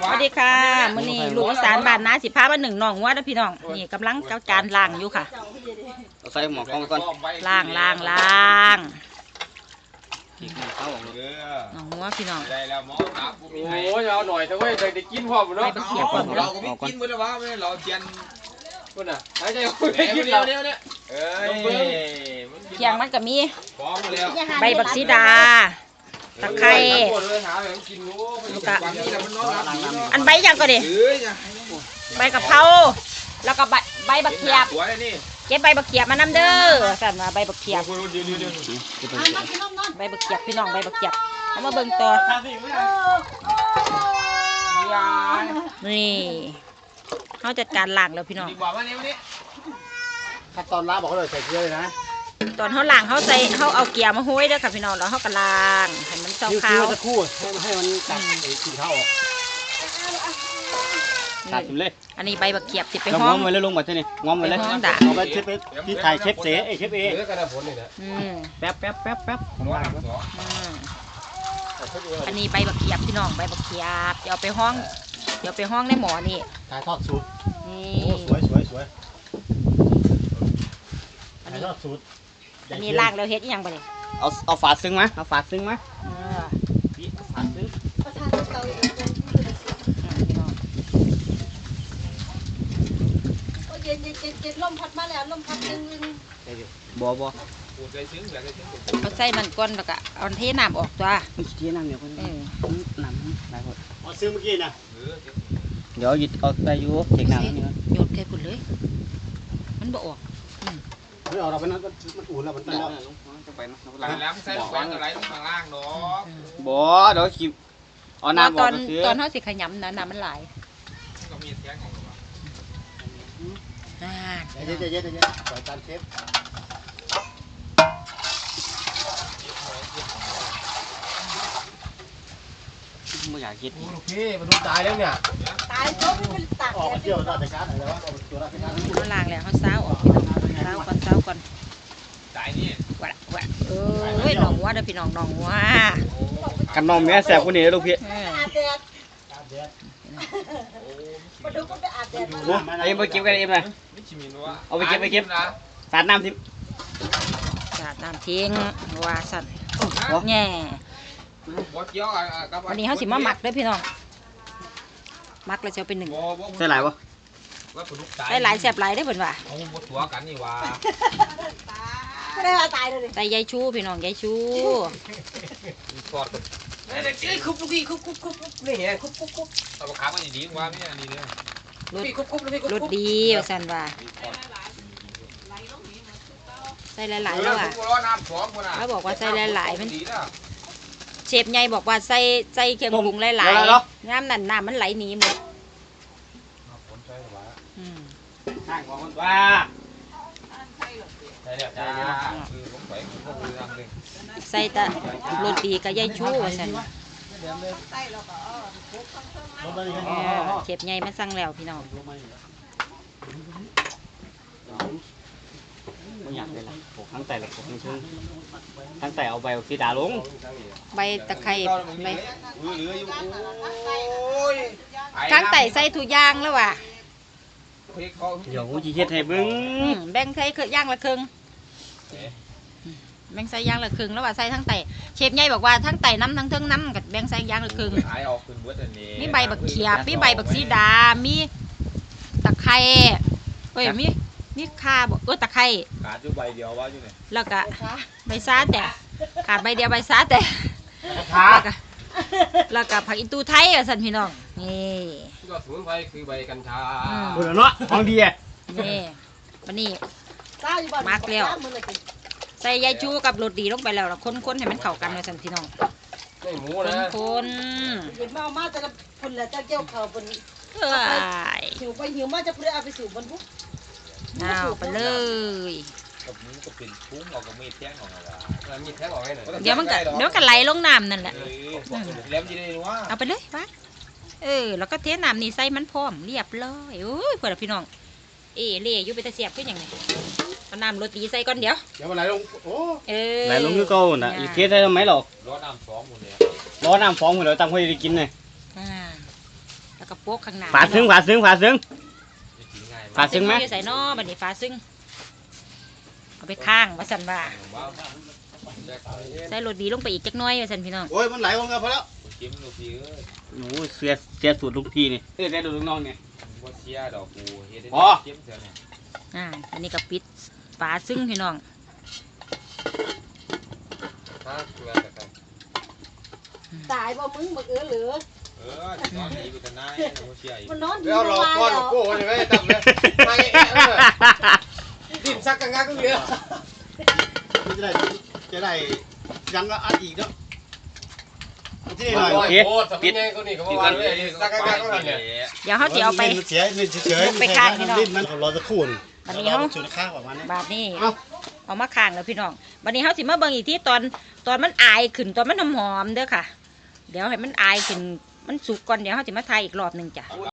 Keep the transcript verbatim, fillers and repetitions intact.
สวัสดีค่ะมื้อนี้ลูกอีสานบ้านนาสิพามาหนึ่งน้องวัวเด้อพี่น้องนี่กำลังเจ้าจานล้างอยู่ค่ะใส่หมอกล้องก่อนล้างล้างล้างน้องวัวพี่น้องโอ้ยเอาหน่อยเถอะเว้ยได้กินพร้อมเนาะไปเขียบก่อนเราก็ไม่กินมื้อละวะไม่เราเจียนคุณน่ะหายใจคุณได้กินแล้วเนี่ยเนี่ยเอ้ยเคียงมันก็มีพร้อมแล้วใบบักซีดาตะไคร้อันใบยังก็ดิใบกะเพราแล้วก็ใบใบบักเขียบเก็บใบบักเขียบมานำเด้อสั่นว่าใบบักเขียบใบบักเขียบพี่น้องใบบักเขียบเอามาเบิ่งต่อนี่เขาจัดการล้างแล้วพี่น้องขั้นตอนล้างบอกเขาเลยใส่เกลือเลยนะตอนเขาล้างเขาใส่เขาเอาเกียร์มาห้อยเด้อค่ะพี่น้องแล้วเขาก็ล้างให้มันเจ้าขาวจะคู่ให้ให้มันตัดกินข้าวออกตัดกินเลยอันนี้ใบบักเขียบติดไปห้ององง้อมไว้แล้วลงมาที่นี่ง้อมไว้เลยเอาไปเชฟที่ถ่ายเชฟเสเอเชฟเอแป๊บแป๊บแป๊บแป๊บของล้างอันนี้ใบบักเขียบพี่น้องใบบักเขียบเดี๋ยวไปห้องเดี๋ยวไปห้องในหมอนี่ถ่ายทอดสูตรนี่สวยสวยสวยถ่ายทอดสูตรอันนี้ล้างแล้วเฮ็ดยังบ่เนี่ยเอาเอาฝาซึ้งมาเอาฝาซึ้งมาฝาซึ้งเย็นเย็นเย็นเย็นลมพัดมาแล้วลมพัดดึงดึงบ่บ่เอาใส่มันก้นแล้วก็เอาเทน้ำออกตัวไม่เทน้ำเดี๋ยวคนน้ำหลายคนเอาซื้อเมื่อกี้นะเดี๋ยวหยิบเอาไปอยู่เด็กน้ำนี่โยนแค่พุ่นเลยมันบ่ออกไม่ออกเราไปนั่นมันอุ่นแล้วมันตั้งแล้วจะไปนะแล้วใส่ลูกบอลอะไรต้องข้างล่างเนาะบ่เดี๋ยวคิวเอาน้ำออกตอนตอนเขาสิขยำนะน้ำมันไหลก็มีแท้งของเราอ่าเย็นเย็นเย็นเย็นปล่อยการเชฟไม่อยากคิดโอเคมันดูตายแล้วเนี่ยตายปุ๊บมันตักออกเที่ยวราชการอะไรวะตัวราชการเขาล้างแล้วเขาเศร้าออกพี่น้องเศร้าก่อนเศร้าก่อนตายนี่วะวะเอ้ยน้องวัวเด้อพี่น้องน้องวัวกันน้องแม่แสบกว่านี้ลูกพี่อาบแดดอาบแดดมาดูก็ไปอาบแดดไอ้ไปเก็บกันเองเลยเอาไปเก็บไปเก็บสาดน้ำทิ้งสาดน้ำทิ้งว่าสั่นแง่วันนี้เขาสิมาหมักด้วยพี่น้องหมักแล้วจะเป็นหนึ่งใส่หลายวะใส่หลายแสบหลายได้เหมือนว่าเอาหมดหัวกันนี่ว่าไม่ได้ตายเลยใส่ยายชูพี่น้องยายชูกอดเฮ้ยคุบลูกพี่คุบคุบคุบนี่ไงคุบคุบคุบเอาขามันดีกว่าไม่อันนี้เลยรถรถดีสั่นว่าใส่หลายๆแล้วอ่ะเขาบอกว่าใส่หลายๆมันเชฟใหญ่บอกว่าใส่ใส่เครื่องปรุงหลายๆน้ำนั่นน้ำมันไหลหนีหมดห่างของคนว่าใส่แต่โรตีกับยายชูสั่นเชฟใหญ่มาสั่งแล้วพี่น้องไม่อยากเลยล่ะทั้งแต่ละคนทั้งทั้งแต่เอาใบสีดาลงใบตะไคร้ใบทั้งแต่ใส่ถุงยางแล้วว่ะเดี๋ยวกูจะเฮ็ดให้เบิ้งแบ่งใส่เครื่องย่างละครึ่งแบ่งใส่ย่างละครึ่งแล้วว่าใส่ทั้งแต่เชฟใหญ่บอกว่าทั้งแต่น้ำทั้งเทิงน้ำกับแบ่งใส่ย่างละครึ่งมีใบบักเขียบมีใบบักซีดามีตะไคร้เฮ้ยมีมีข่าบอกเออตะไคร้ขาดอยู่ใบเดียวว่าอยู่ไหนแล้วก็ใบซาแต่ขาดใบเดียวใบซาแต่แล้วก็ผักอินตูไทยอ่ะสันพี่น้องนี่ก็สมุนไพรคือใบกัญชาโอ้โหเนาะของดีอ่ะนี่วันนี้มักแล้วใส่ยายชูกับโรตีลงไปแล้วแล้วค้นๆให้มันเข้ากันเลยสันพี่น้องไม่หมูนะคนเห็นมามาจะพุ่นแล้วจะเกี่ยวเขาบนเอ้ยหิวไปหิวมาจะเพื่อเอาไปสู่บนปุ๊บเอาไปเลยกับนี้ก็เป็นพุ้งเราก็มีแท่งของเรามีแท่งออกให้หน่อยเดี๋ยวมันก็เดี๋ยวก็ไหลลงน้ำนั่นแหละแล้วจะได้ว่าเอาไปเลยไปเออแล้วก็เทน้ำนี่ใส่มันพร้อมเรียบร้อยโอ้ยเพื่อนพี่น้องเอเล่อยู่ไปตะเสียบขึ้นอย่างไรเอาน้ำโรตีใส่ก่อนเดี๋ยวเดี๋ยวมันไหลลงโอ้เออไหลลงคือเก่าน่ะอีกเทได้ไหมหรอกร้อนน้ำฟองหมดเลยร้อนน้ำฟองหมดเลยตั้งไว้ได้กินเลยอ่าแล้วก็โป๊กข้างหน้าฝาซึ้งฝาซึ้งฝาซึ้ง ฝาซึ้งไหมใส่นอบัดนี้ฝาซึ้งเอาไปข้างว่าสันว่าใส่รสดีลงไปอีกจักหน้อยว่าสันพี่น้องโอ้ยมันไหลลงกันพอแล้วจิ้มลูกพี่เอ้ยโอ้เสียเสียสูตรลูกพี่นี่เอ้ยเสียสูตรลูกน้องนี่บ่เสียดอกกูเฮ็ดได้จิ้มเสียเนี่ยอ่าอันนี้ก็ปิดฝาซึ้งพี่น้องถ้าเกลือแต่ตายบ่มึงบักเอือเหลือเออตอนนี้กูจะนายบ่เสียอีกมันนอนดีเดี๋ยวบ่เราว่าก้อนแล้วโก้ใช่ไหมจำเลยไอ้ดิ้นซักกันงักก็เยอะจะได้จะได้ยังก็อัดอีกเนาะที่หหน่น่ออย ยโอ้สมัยนี้ก็นี่ก็ว่าเลยซักกันงักก็นั่นเนี่ยเดี๋ยวเขาจะเอาไปเสียเล่นเฉยๆไปข้างพี่น้องเล่นมันรอสักครู่นึงบัดนี้เขาจุดข้างประมาณนี้บาดนี้เอ้าเอามาข้างแล้วพี่น้องบัดนี้เขาสิมาเบิ่งอีกที่ตอนตอนมันอายขึ้นตอนมันหอมๆเด้อค่ะ เดี๋ยวให้มันอายขึ้นมันสุกก่อนเดี๋ยวเขาสิมาทายอีกรอบหนึ่งจ้ะ